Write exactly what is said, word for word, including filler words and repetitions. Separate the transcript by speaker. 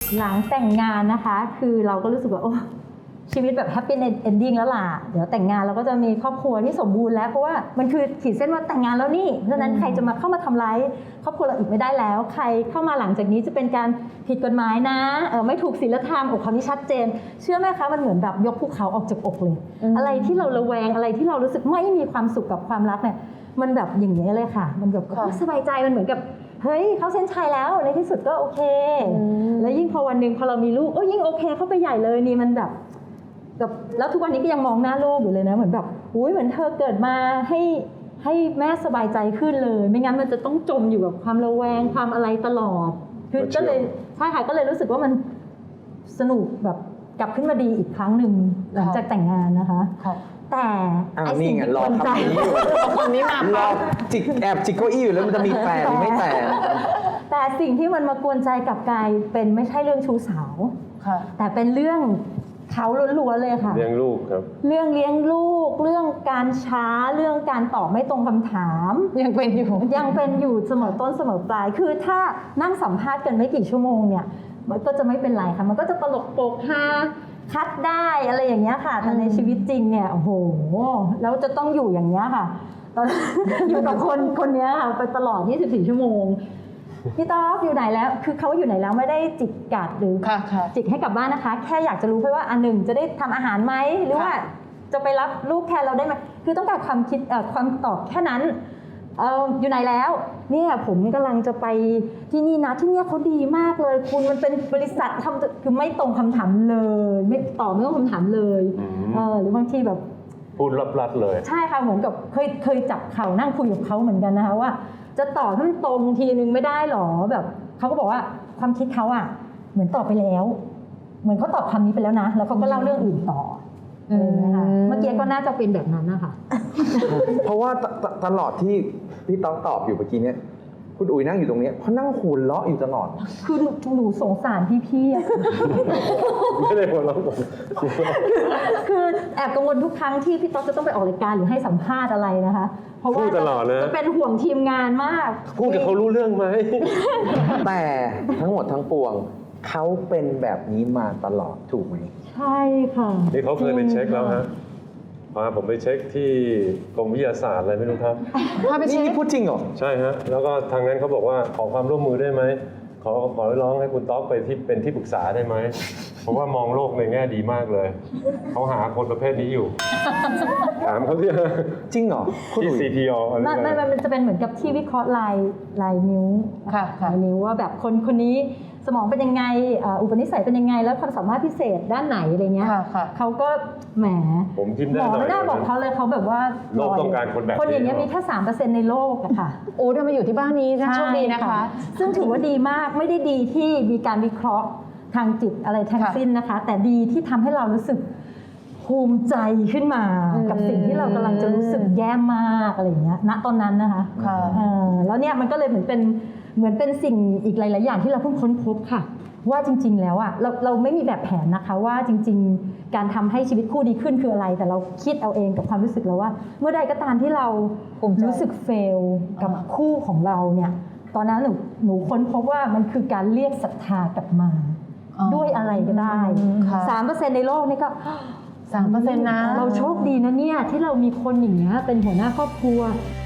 Speaker 1: หลังแต่งงานนะคะคือเราก็รู้สึกว่าโอ้ชีวิตแบบแฮปปี้เอนดิ้งแล้วล่ะเดี๋ยวแต่งงานเราก็จะมีครอบครัวที่สมบูรณ์แล้วเพราะว่ามันคือขีดเส้นว่าแต่งงานแล้วนี่เพราะฉะนั้นใครจะมาเข้ามาทำร้ายครอบครัวเราอีกไม่ได้แล้วใครเข้ามาหลังจากนี้จะเป็นการผิดกฎหมายนะเออไม่ถูกศีลธรรมอกคำนี้ชัดเจนเชื่อไหมคะมันเหมือนแบบยกภูเขาออกจากอกเลยอะไรที่เราระแวงอะไรที่เรารู้สึกไม่มีความสุขกับความรักเนี่ยมันแบบอย่างนี้เลยค่ะมันแบบสบายใจมันเหมือนกับเฮ้ยเขาเส้นชัยแล้วในที่สุดก็โอเคแล้วยิ่งพอวันหนึ่งพอเรามีลูกโอ้ยิ่งโอเคเข้าไปใหญ่เลยนี่มันแบบแบบแล้วทุกวันนี้ก็ยังมองหน้าลูกอยู่เลยนะเหมือนแบบอุ้ยเหมือนเธอเกิดมาให้ให้แม่สบายใจขึ้นเลยไม่งั้นมันจะต้องจมอยู่กับความระแวงความอะไรตลอดคือก็เลยใช่ค่ะก็เลยรู้สึกว่ามันสนุกแบบกลับขึ้นมาดีอีกครั้งหนึ่งหลังจากแต่งงานนะคะแต่ไอ้สิ่งที่กวนใจ
Speaker 2: คนนี้มารอจิกแอบจิกเก้าอี้อยู่แล้วมันจะมีแต่หรือไม่แต่
Speaker 1: แต่สิ่งที่มันมากวนใจกับกายเป็นไม่ใช่เรื่องชู้สาวแต่เป็นเรื่องเขาล้วนๆเลยค่ะ
Speaker 3: เลี้ยงลูกครับ
Speaker 1: เรื่องเลี้ยงลูกเรื่องการช้าเรื่องการตอบไม่ตรงคำถาม
Speaker 2: ยังเป็นอยู่
Speaker 1: ยังเป็นอยู่เสมอต้นเสมอปลายคือถ้านั่งสัมภาษณ์กันไม่กี่ชั่วโมงเนี่ยมันก็จะไม่เป็นไรค่ะมันก็จะตลกโปกฮาคัดได้อะไรอย่างเงี้ยค่ะแต่ในชีวิตจริงเนี่ยโอ้โหแล้วจะต้องอยู่อย่างเงี้ยค่ะอยู่กับคนคนนี้ค่ะไปตลอดยี่สิบสี่ชั่วโมงพี่ต๊อกอยู่ไหนแล้วคือเขาอยู่ไหนแล้วไม่ได้จิกกัดหรือจิกให้กลับบ้านนะคะแค่อยากจะรู้เพื่อว่าอันหนึ่งจะได้ทำอาหารไหมหรือว่าจะไปรับลูกแทนเราได้ไหมคือต้องการความคิดความตอบแค่นั้นเอออยู่ไหนแล้วเนี่ยผมกำลังจะไปที่นี่นะที่เนี่ยเขาดีมากเลยคุณมันเป็นบริษัททำคือไม่ตรงคำถามเลยไม่ตอบไม่ตรงคำถามเลยเออหรือบางทีแบบ
Speaker 3: พูดลับๆเลย
Speaker 1: ใช่ค่ะเหมือนกับเคยเคยจับเข่านั่งคุยกับเขาเหมือนกันนะคะว่าจะตอบให้มันตรงทีนึงไม่ได้หรอแบบเขาก็บอกว่าความคิดเขาอ่ะเหมือนตอบไปแล้วเหมือนเขาตอบคำนี้ไปแล้วนะแล้วเขาก็เล่าเรื่องอื่นต่ออะไรอย่างเงี้ยค่ะเมื่อกี้ก็น่าจะเป็นแบบนั้นนะคะ
Speaker 2: เพราะว่าตลอดที่พี่ต๊อกตอบอยู่เมื่อกี้เนี้ยคุณอุ๋ยนั่งอยู่ตรงนี้เขานั่งหัวเราะอยู่ตลอด
Speaker 1: คือหนูสงสารพี่ๆอะ
Speaker 3: ไม่ได้หัวเราะ
Speaker 1: คือแอบกังวลทุกครั้งที่พี่ต๊อกจะต้องไปออกรายการหรือให้สัมภาษณ์อะไรนะคะเพราะว่าจะเป็นห่วงทีมงานมาก
Speaker 3: พูดกับเขารู้เรื่องไหม
Speaker 2: แต่ทั้งหมดทั้งปวงเขาเป็นแบบนี้มาตลอดถูกไหม
Speaker 1: ใช่ค่ะ
Speaker 3: นี่เขาเคยไปเช็คแล้วฮะพาผมไปเช็คที่กรมวิทยาศาสตร์อะไรไม่รู้ครับ
Speaker 2: พาไปเช็คนี่พูดจริงเหรอ
Speaker 3: ใช่ฮะแล้วก็ทางนั้นเขาบอกว่าขอความร่วมมือได้ไหมขอขอร้องให้คุณต๊อกไปที่เป็นที่ปรึกษาได้ไหมเพราะว่ามองโลกในแง่ดีมากเลยเขาหาคนประเภทนี้อยู่ถามเขาที่
Speaker 2: จริงเหรอ
Speaker 3: ที่ ซี ที อ
Speaker 1: ไม่ไม่มันจะเป็นเหมือนกับที่วิเคราะห์ลายลายนิ้วลายนิ้วว่าแบบคนคนนี้สมองเป็นยังไงอุปนิสัยเป็นยังไงแล้วความสามารถพิเศษด้านไหนอะไรเงี้ยเขาก็แหม
Speaker 3: ผมทิมได้
Speaker 1: หมอไม่น่าบอกเขาเลยเขาแบบว่า
Speaker 3: โลกต้องการคนแบบ
Speaker 1: คนอย่างเงี้ยมีแค่สามเปอร์เซ็นต์ในโลกอะค่ะ
Speaker 2: โอ้ได้มาอยู่ที่บ้านนี้โชคดีนะคะ
Speaker 1: ซึ่งถือว่าดีมากไม่ได้ดีที่มีการวิเคราะห์ทางจิตอะไรทั้งสิ้นนะคะแต่ดีที่ทำให้เรารู้สึกภูมิใจขึ้นมากับสิ่งที่เรากำลังจะรู้สึกแย่มากอะไรอย่างเงี้ยณตอนนั้นนะคะแล้วเนี่ยมันก็เลยเหมือนเป็นเหมือนเป็นสิ่งอีกหลายๆอย่างที่เราเพิ่งค้นพบค่ะว่าจริงๆแล้วอ่ะเราเราไม่มีแบบแผนนะคะว่าจริงๆการทำให้ชีวิตคู่ดีขึ้นคืออะไรแต่เราคิดเอาเองกับความรู้สึกเราว่าเมื่อใดก็ตามที่เรารู้สึกเฟลกับคู่ของเราเนี่ยตอนนั้นหนูหนูค้นพบว่ามันคือการเรียกศรัทธากลับมาด้วยอะไรก็ได้สามเปอร์เซ็นต์ในโลกนี่ก็
Speaker 2: สามเปอร์เซ็นต์นะ
Speaker 1: เราโชคดีนะเนี่ยที่เรามีคนอย่างเงี้ยเป็นหัวหน้าครอบครัว